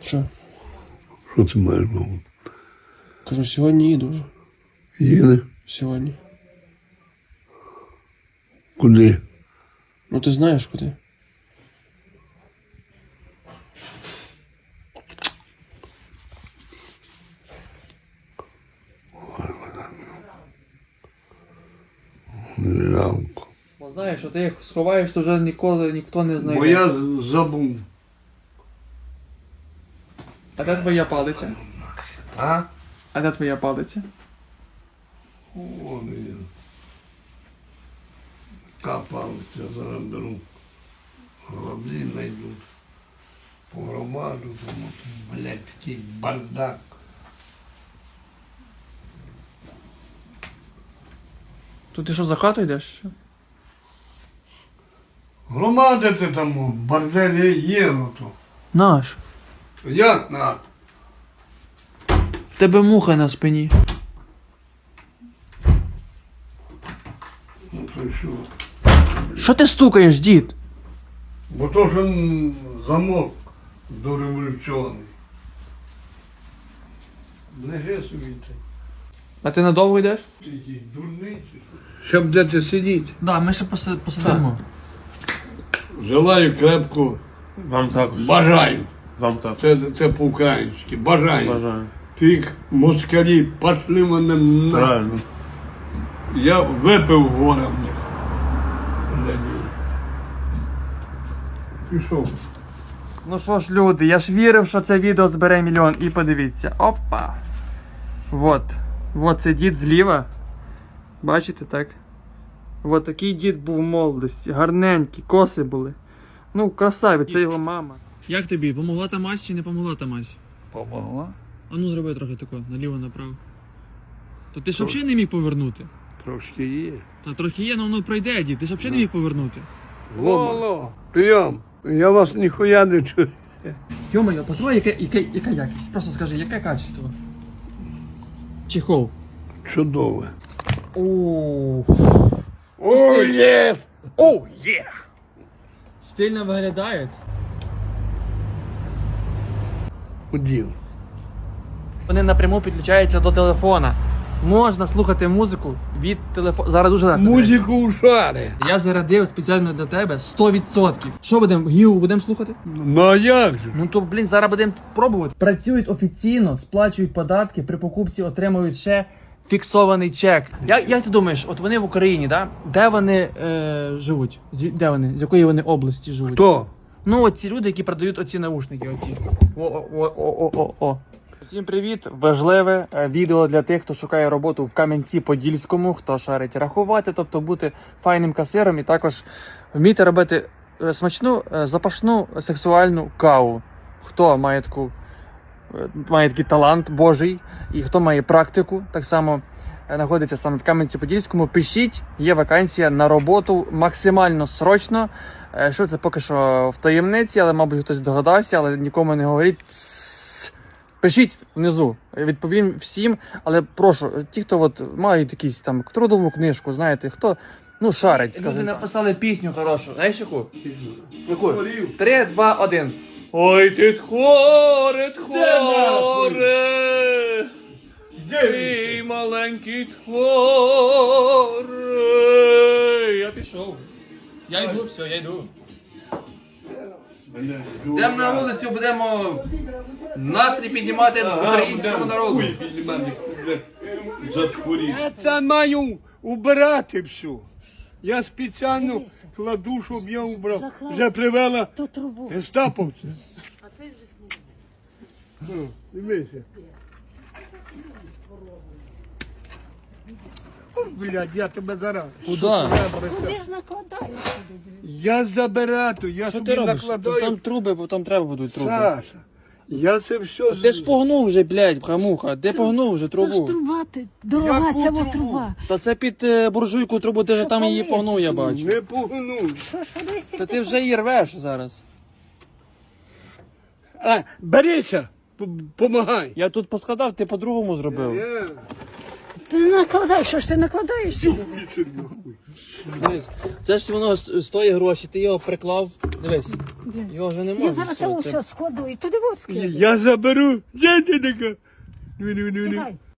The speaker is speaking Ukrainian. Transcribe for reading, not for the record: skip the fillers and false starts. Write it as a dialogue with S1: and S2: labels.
S1: Що?
S2: Що це маєш мову?
S1: Кажу, сьогодні їду вже.
S2: Їде?
S1: Сьогодні.
S2: Куди?
S1: Ну ти знаєш куди?
S2: Жалко.
S3: Бо знаєш, що ти їх сховаєш, то вже ніколи ніхто не знайде.
S2: Бо я забув.
S3: А де твоя палиця?
S2: А?
S3: А де твоя палиця?
S2: Вон він. Капалися, зараз беру. Гроблі знайдуть. По громаду, тому що, блядь, такий бардак.
S3: То ти що, за хату йдеш? Що?
S2: Громадити там, борделі є, ну то.
S3: Наш.
S2: Як на?
S3: В тебе муха на спині.
S2: Ну то що?
S3: Що ти стукаєш, дід?
S2: Бо то ж замок дореволюційний. Лежи собі так.
S3: А ти надовго йдеш?
S2: Ти якийсь дурний чи що? Щоб де сидіти.
S3: Да, ми ще посидимо.
S2: Желаю крепко.
S4: Вам також.
S2: Бажаю.
S4: Вам також.
S2: Це по-українськи. Бажаю.
S4: Бажаю.
S2: Тих москалів пошли мене на.
S4: Правильно.
S2: Я випив горе в них. Надій. Пішов.
S3: Ну що ж, люди, я ж вірив, що це відео збере мільйон. І подивіться. Опа. Вот. Вот це дід зліва. Бачите, так? Вот такий дід був в молодості. Гарненький, коси були. Ну, красавець, це його мама. Як тобі? Помогла та мазь чи не помогла та мазь?
S2: Помогла?
S3: А ну зроби трохи тако, наліво-направо. То ти ж взагалі не міг повернути?
S2: Трошки є.
S3: Та трохи є, але воно пройде, дід. Ти ж взагалі не міг повернути.
S2: Лоло, прийом. Я вас ніхуя не чую.
S3: Йо-моє, постой, яка якість? Просто скажи, яке качество? Чехол.
S2: Чудове.
S3: Ооо.
S2: О, є!
S3: Оу, є! Стильно виглядає.
S2: Удів.
S3: Вони напряму підключаються до телефона. Можна слухати музику від телефону. Зараз дуже легко.
S2: Музику у шари.
S3: Я зарядив спеціально для тебе 100%. Що будемо? Гіу будемо слухати?
S2: Ну а як же?
S3: Ну то, блін, зараз будемо пробувати. Працюють офіційно, сплачують податки, при покупці отримують ще фіксований чек. Як ти думаєш, от вони в Україні, да? Де вони живуть? Де вони? З якої вони області живуть?
S2: Хто?
S3: Ну, от ці люди, які продають оці наушники, оці. О. Всім привіт! Важливе відео для тих, хто шукає роботу в Кам'янці-Подільському, хто шарить рахувати, тобто бути файним касиром і також вміти робити смачну, запашну, сексуальну каву. Хто має такий талант Божий і хто має практику, так само знаходиться саме в Кам'янці-Подільському, пишіть, є вакансія на роботу максимально срочно. Що це поки що в таємниці, але, мабуть, хтось догадався, але нікому не говоріть. Пишіть внизу, відповім всім, але прошу, ті, хто от мають якісь там трудову книжку, знаєте, хто, ну, шарить, скажімо. Люди написали пісню хорошу, знаєш яку? Яку? 3, 2, 1. Ой, ти тхоре, ти маленький тхоре. Я пішов. Я йду, все, я йду. Йдемо на вулицю, будемо настрій піднімати українському народу.
S2: Я це маю убирати все. Я спеціально кладу, щоб я убрав. Вже привела гестаповця. А це вже знімає. Дивися. Блядь, я тебе зараз.
S3: Куда?
S5: Ти ж накладаєш сюди.
S2: Я забираю, я
S3: Що
S2: собі
S3: ти робиш?
S2: накладаю.
S3: Там труби, бо там треба будуть труби.
S2: Саша, я це все...
S3: Ти ж погнув вже, блядь, хамуха. Де погнув вже
S5: То ж
S3: трубу?
S5: труба, дорога
S2: Яку
S5: ця
S2: трубу?
S5: труба.
S3: Та це під буржуйку трубу, ти вже там її погнув, я бачу.
S2: Не погну.
S5: Що ж подивись,
S3: Та ти вже її рвеш зараз.
S2: А, берися, помагай.
S3: Я тут поскладав, ти по-другому зробив.
S5: Ти не накладай, що ж ти накладаєш сюди?
S3: Дивись, це ж воно стоїть гроші, ти його приклав. Дивись,
S5: Де?
S3: його вже немає.
S5: Я зараз це все складу і туди воски.
S2: Я заберу. Де ти така?
S5: Чекай.